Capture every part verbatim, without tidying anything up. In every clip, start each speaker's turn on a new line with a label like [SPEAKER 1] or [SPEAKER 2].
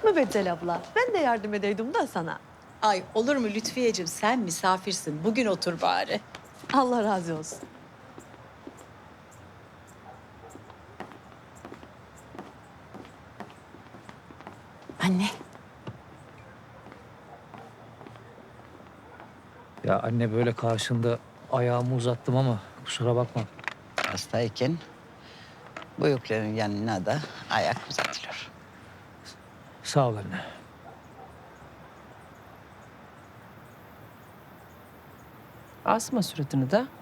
[SPEAKER 1] Mübeccel abla, ben de yardım edeydim da sana.
[SPEAKER 2] Ay olur mu Lütfiyeciğim, sen misafirsin. Bugün otur bari.
[SPEAKER 1] Allah razı olsun.
[SPEAKER 2] Anne.
[SPEAKER 3] Ya anne böyle karşında ayağımı uzattım ama kusura bakma.
[SPEAKER 4] Hastayken büyüklerin yanına da ayak uzatılır.
[SPEAKER 3] Sağ ol anne.
[SPEAKER 5] Asma suratını da.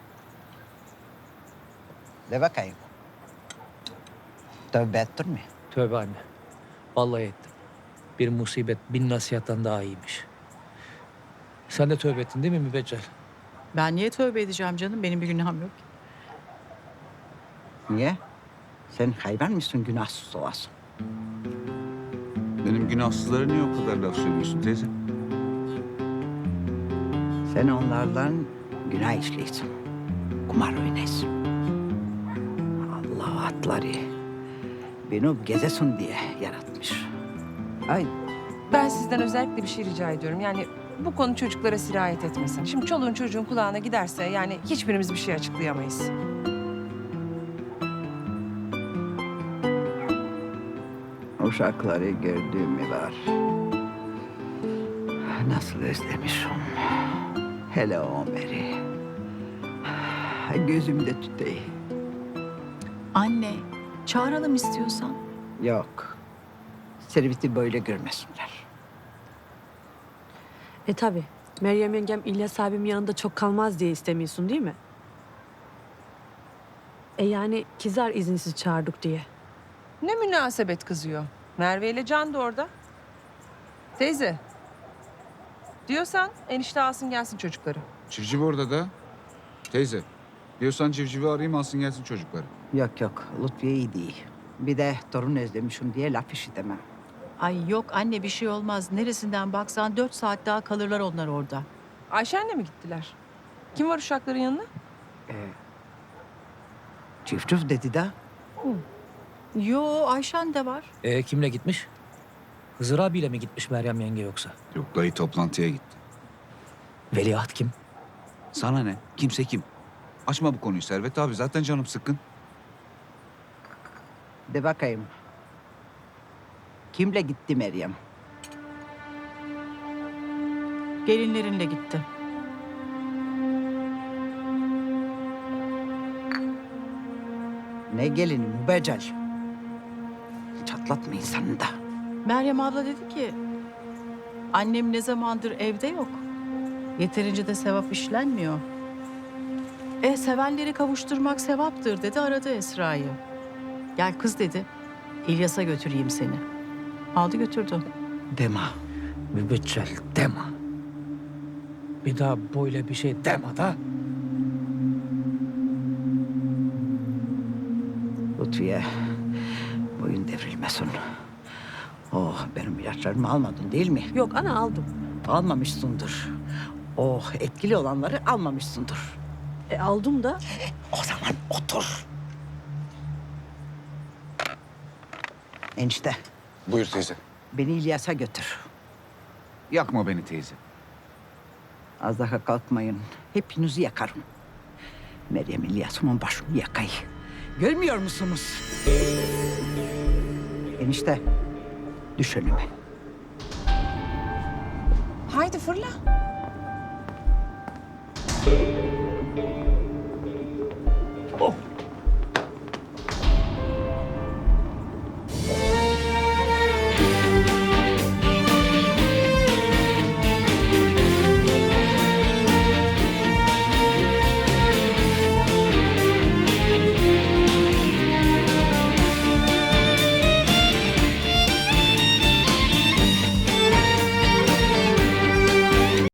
[SPEAKER 4] De bakayım. Tövbe ettirme.
[SPEAKER 3] Tövbe anne. Vallahi ettim. Bir musibet bin nasihattan daha iyiymiş. Sen de tövbe ettin değil mi Mübeccel?
[SPEAKER 2] Ben niye tövbe edeceğim canım? Benim bir günahım yok.
[SPEAKER 4] Niye? Sen hayvan mısın günahsız olasın?
[SPEAKER 6] Benim günahsızlara niye o kadar laf söylüyorsun teyze?
[SPEAKER 4] Sen onlardan günah işliyorsun. Kumar oynayasın. Allah atları beni gezesin diye yaratmış.
[SPEAKER 5] Ay ben sizden özellikle bir şey rica ediyorum. Yani bu konu çocuklara sirayet etmesin. Şimdi çoluğun çocuğun kulağına giderse yani hiçbirimiz bir şey açıklayamayız.
[SPEAKER 4] Uşakları gördüğümü var. Nasıl özlemişim. Hele o Ömer'i. Gözümde tüteyi.
[SPEAKER 2] Anne, çağıralım istiyorsan.
[SPEAKER 4] Yok. Serveti böyle görmesinler.
[SPEAKER 1] E tabi. Meryem yengem İlyas abim yanında çok kalmaz diye istemiyorsun değil mi? E yani kızar izinsiz çağırdık diye.
[SPEAKER 5] Ne münasebet kızıyor. Merve ile Can da orada. Teyze. Diyorsan enişte alsın gelsin çocukları.
[SPEAKER 6] Civciv orada da. Teyze, diyorsan civcivi arayayım alsın gelsin çocukları.
[SPEAKER 4] Yok yok, Lütfiye iyi değil. Bir de torun özlemişim diye laf işitemem.
[SPEAKER 2] Ay yok anne, bir şey olmaz. Neresinden baksan dört saat daha kalırlar onlar orada.
[SPEAKER 5] Ayşen'le mi gittiler? Kim var uşakların yanına?
[SPEAKER 4] Çift çift dedi de.
[SPEAKER 2] Yo, Ayşen de var.
[SPEAKER 3] E kimle gitmiş? Hızır abiyle mi gitmiş Meryem yenge yoksa?
[SPEAKER 6] Yok dayı toplantıya gitti.
[SPEAKER 3] Veliaht kim?
[SPEAKER 6] Sana ne? Kimse kim? Açma bu konuyu Servet abi, zaten canım sıkkın.
[SPEAKER 4] De bakayım. Kimle gitti Meryem?
[SPEAKER 2] Gelinlerinle gitti.
[SPEAKER 4] Ne gelini mübeccel. Çatlatma insanı da.
[SPEAKER 2] Meryem abla dedi ki... Annem ne zamandır evde yok. Yeterince de sevap işlenmiyor. E sevenleri kavuşturmak sevaptır dedi, aradı Esra'yı. Gel kız dedi, İlyas'a götüreyim seni. Aldı götürdü.
[SPEAKER 4] Deme.
[SPEAKER 3] Mübeccel deme. Bir daha böyle bir şey deme da.
[SPEAKER 4] Lütfiye, boyun devrilmesin. Oh, benim ilaçlarımı almadın değil mi?
[SPEAKER 1] Yok ana aldım.
[SPEAKER 4] Almamışsındır. Oh, etkili olanları almamışsındır.
[SPEAKER 1] E aldım da.
[SPEAKER 4] O zaman otur. Enişte,
[SPEAKER 6] Buyur teyze.
[SPEAKER 4] beni İlyas'a götür.
[SPEAKER 6] Yakma beni teyze.
[SPEAKER 4] Az daha kalkmayın. Hepinizi yakarım. Meryem İlyas'ımın başını yakayı. Görmüyor musunuz? Enişte, düş önüme.
[SPEAKER 5] Haydi fırla.